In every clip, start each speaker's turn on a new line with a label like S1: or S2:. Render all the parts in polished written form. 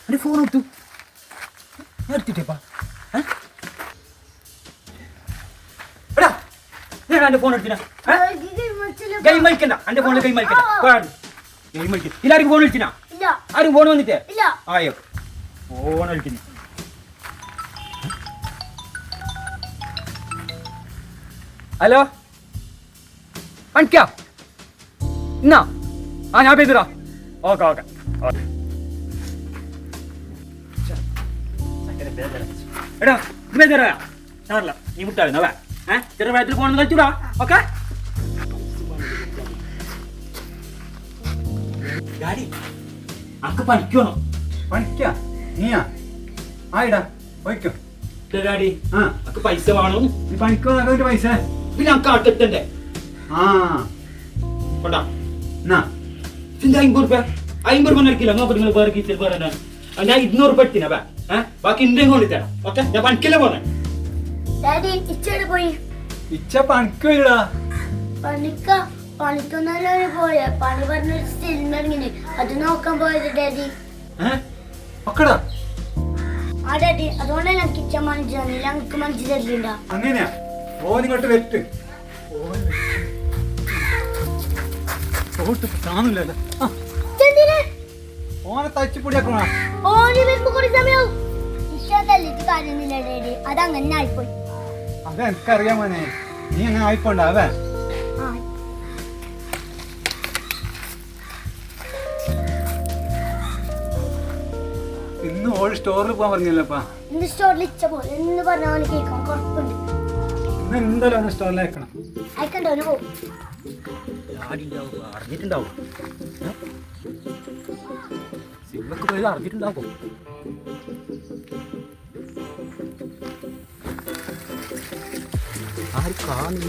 S1: എൻ്റെ ഫോൺ എടുത്തു എടുത്തിട്ടേപ്പാ എടാ ഞാൻ എൻ്റെ ഫോൺ എടുത്തിനാ ഗെയിം കളിക്കണ്ട എൻ്റെ ഫോണിൽ ഗെയിം കളിക്കണ്ട ഗെയിം കളിക്കും എല്ലാവർക്കും ഫോൺ വിളിച്ചിനാ ആരും ഫോൺ വന്നിട്ടേ ആയോ ഫോൺ കളിക്കുന്നു ഹലോ പണിക്കാ എന്നാ ഞാൻ പേരുതാ ഓക്കെ ഓക്കെ എടാ ഇത് പേരുതാ സാറില്ല നീ മുട്ടായിരുന്നു അവ ചെറിയ പ്രായത്തിൽ ഫോൺ കളിച്ചൂടാ ഓക്കെ ഡാഡി അക്ക് പണിക്കണോ
S2: പണിക്കാ നീയാ ആയിടാ പോയിക്കോ
S1: ഡാഡി അക്ക് പൈസ വേണം
S2: നീ പണിക്കോ നല്ലൊരു പൈസ
S1: പിന്നെ അക്ക് ആട്ടെത്തണ്ടേ
S2: ആ
S1: കൊണ്ടാ
S2: എന്നാ
S1: ചിന്ത 50 രൂപ നിൽക്കില്ല നോക്ക് നിങ്ങൾ വേറെ കീസിൽ വേറെ ഞാൻ 200 രൂപ എടുത്തിനാ ബാക്കി ഇന്ത്യയും കൊണ്ട് തരാം ഓക്കെ ഞാൻ പണിക്കല്ലേ പോന്നെ
S2: ഇച്ച പണിക്കോയിടാ
S3: പണിക്കൊന്നല്ലേ പോയ പണി പറഞ്ഞൊരു സിനിമ അത് നോക്കാൻ പോയത് ഡാഡി
S2: മക്കളാ
S3: ആ ഡാഡി അതുകൊണ്ടാണ് ഞങ്ങൾക്ക് ഇച്ച മനസ്സിലായി ഞങ്ങൾക്ക് മനസ്സിലാക്കിണ്ട
S2: അങ്ങനെയാ ഓനിങ്ങോട്ട് വെറ്റ് കാണൂലല്ലോ ഓനെ തച്ചുപൊടിയാക്കണ
S3: ഓന് വരുമ്പോ കുറേ സമയാവും ഇഷ്ടത്തല്ലിട്ട് കാര്യമൊന്നുമില്ല ഡാഡി അതങ്ങനെ ആയിപ്പോയി
S2: അത് എനിക്കറിയാം മോനെ നീ അങ്ങനെ ആയിപ്പോണ്ടാവേ ഇന്ന് ഓൾ സ്റ്റോറിൽ പോകാൻ പറഞ്ഞല്ലപ്പാ
S3: ഇന്ന് സ്റ്റോറിൽ ഇച്ച പോലെ എന്ന് പറഞ്ഞ അവന് കേൾക്കാൻ കുഴപ്പമുണ്ട്
S2: ഇന്ന് എന്തായാലും അവനെ സ്റ്റോറിൽ അയക്കണം
S3: അയക്കണ്ട അവന് പോകും
S1: അറിഞ്ഞിട്ടുണ്ടാവും സിനിമക്ക് പോയത് അറിഞ്ഞിട്ടുണ്ടാവും ആരും കാണില്ല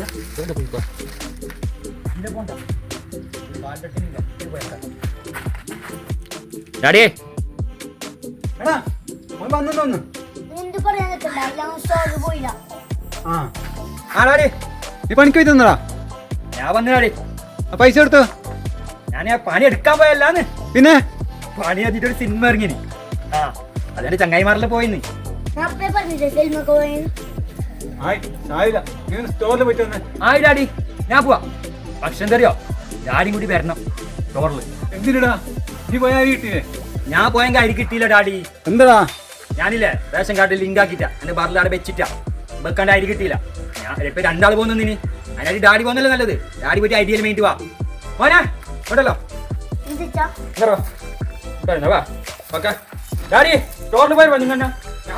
S1: ഡാഡിയേ
S2: എടാ അവൻ വന്നു
S3: എന്ത് പറയാൻ നിൽക്കണ്ട ഞാൻ സ്റ്റോറിൽ പോയില്ല
S1: ഡാഡി
S2: നീ പണിക്ക് പോയി തന്നടാ
S1: ഞാൻ വന്നു ഡാഡി
S2: പൈസ എടുത്തോ
S1: ഞാൻ പണി എടുക്കാൻ പോയല്ലാന്ന്
S2: പിന്നെ
S1: പണി എത്തിയിട്ട് ഒരു സിനിമ ഇറങ്ങിനി അതെ ചങ്ങായിമാരിൽ പോയിന്ന്
S3: ഞാൻ അപ്പഴേ പറഞ്ഞില്ലേ സിനിമക്ക് പോയെന്ന്
S2: ആയില്ല നീ സ്റ്റോറിൽ പോയിട്ട് വന്നേ
S1: ആയി ഡാഡി ഞാൻ പോവാ പക്ഷെ എന്തറിയോ ഡാഡിയും കൂടി വരണം സ്റ്റോറിൽ
S2: എന്തിനടാ നീ പോയാ കിട്ടിയേ
S1: ഞാൻ പോയെങ്കിൽ അരി കിട്ടിയില്ല ഡാഡി
S2: എന്താടാ
S1: ഞാനില്ലേ റേഷൻ കാർഡിൽ ലിങ്ക് ആക്കിട്ടാ എന്റെ ബാറിൽ അവിടെ വെച്ചിട്ടാ വെക്കാണ്ട് അരി കിട്ടിയില്ല ഞാൻ ഇപ്പൊ 2 ആൾ പോകുന്നതിന് അതിനായിട്ട് ഡാഡി പോകുന്നല്ലേ നല്ലത് ഡാഡി പോയിട്ട് ഐഡിയയിൽ വേണ്ടി വാ മോനെ ഉണ്ടല്ലോ വാ ഓക്കെ ഡാഡി സ്റ്റോറിൽ പോയി വന്നു ഞാൻ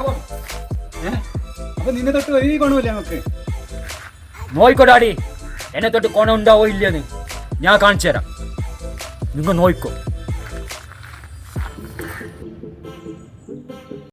S2: അപ്പൊ നിന്നെ തൊട്ട് വഴി കൊണ്ടുപോയില്ലേ നമുക്ക്
S1: നോയിക്കോ ഡാഡി എന്നെ തൊട്ട് കൊണ ഉണ്ടാവോ ഇല്ലെന്ന് ഞാൻ കാണിച്ചു തരാം നിങ്ങൾ നോയിക്കോ